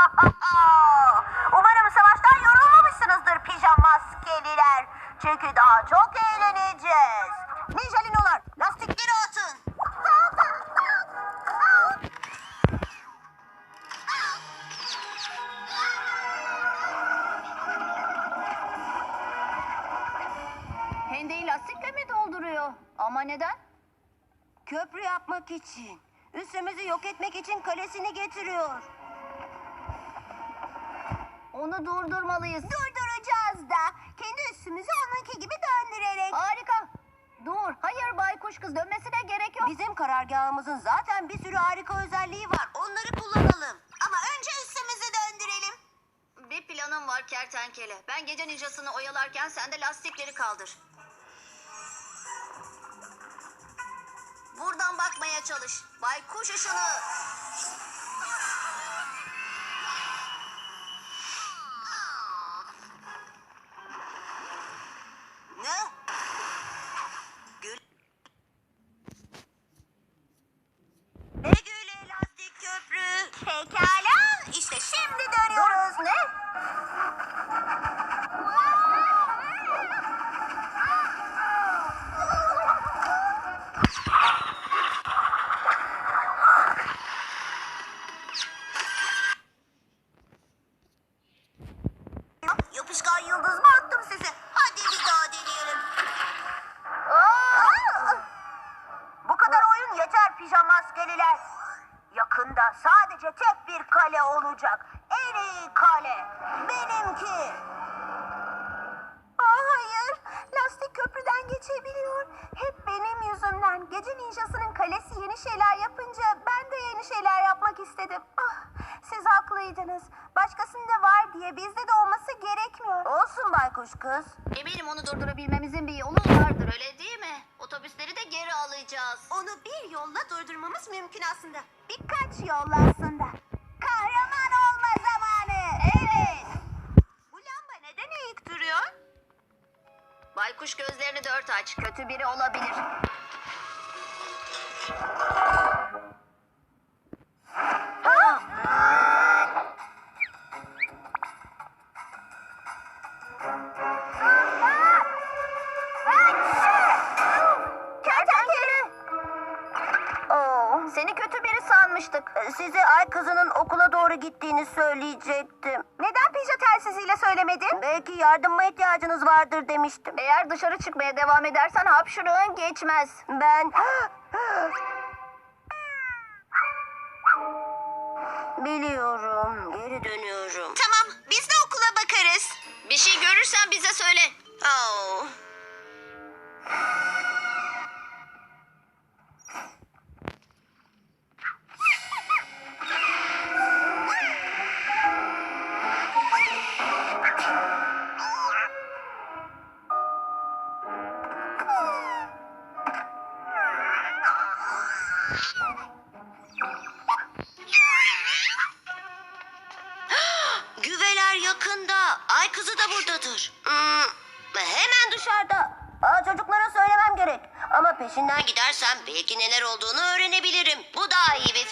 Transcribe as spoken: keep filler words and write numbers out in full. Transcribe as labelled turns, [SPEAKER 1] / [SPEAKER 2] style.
[SPEAKER 1] Umarım savaştan yorulmamışsınızdır pijamaskeliler. Çünkü daha çok eğleneceğiz. Ninjalinolar, lastikleri atın.
[SPEAKER 2] Hendeyi lastikle mi dolduruyor? Ama neden?
[SPEAKER 1] Köprü yapmak için. Üssümüzü yok etmek için kalesini getiriyor.
[SPEAKER 2] Onu durdurmalıyız.
[SPEAKER 1] Durduracağız da. Kendi üssümüzü onunki gibi döndürerek.
[SPEAKER 2] Harika. Dur. Hayır baykuş kız, dönmesine gerek yok.
[SPEAKER 1] Bizim karargahımızın zaten bir sürü harika özelliği var. Onları kullanalım. Ama önce üssümüzü döndürelim.
[SPEAKER 2] Bir planım var kertenkele. Ben gece ninjasını oyalarken sen de lastikleri kaldır. Buradan bakmaya çalış. Baykuş ışını.
[SPEAKER 1] Ne? Gül. Ne güle lastik köprü. Pekala. İşte şimdi dönüyoruz.
[SPEAKER 2] Ne?
[SPEAKER 1] Yapışkan yıldız mı attım size? Hadi bir daha deneyelim. Aa! Bu kadar oyun yeter pijamaskeliler. Yakında sadece tek bir kale olacak. En iyi kale. Benimki. Aa, hayır. Lastik köprüden geçebiliyor. Hep benim yüzümden. Gece ninjasının kalesi yeni şeyler yapınca ben de yeni şeyler yapmak istedim. Ah, siz haklıydınız. Başkasında var diye bizde de olması gerekmiyor. Olsun baykuş kız.
[SPEAKER 2] Eminim onu durdurabilmemizin bir yolu vardır, öyle değil mi? Otobüsleri de geri alacağız.
[SPEAKER 1] Onu bir yolla durdurmamız mümkün aslında. Birkaç yolla aslında. Kahraman olma zamanı. Evet. Bu lamba neden eğik duruyor?
[SPEAKER 2] Baykuş gözlerini dört aç. Kötü biri olabilir.
[SPEAKER 1] Kertenkele. Oo,
[SPEAKER 2] Seni kötü biri sanmıştık.
[SPEAKER 1] size ay kızının okula doğru gittiğini söyleyecektim. Neden pija telsiziyle söylemedin? Belki yardıma ihtiyacınız vardır demiştim.
[SPEAKER 2] Eğer dışarı çıkmaya devam edersen hapşırığın geçmez.
[SPEAKER 1] Ben... Biliyorum. Geri dönüyorum. Tamam. Biz de okula bakarız.
[SPEAKER 2] Bir şey görürsen bize söyle.
[SPEAKER 1] Oh. Güveler yakında. Ay kızı da buradadır. Hmm, hemen dışarıda. Aa, çocuklara söylemem gerek. Ama peşinden gidersem belki neler olduğunu öğrenebilirim. Bu daha iyi bir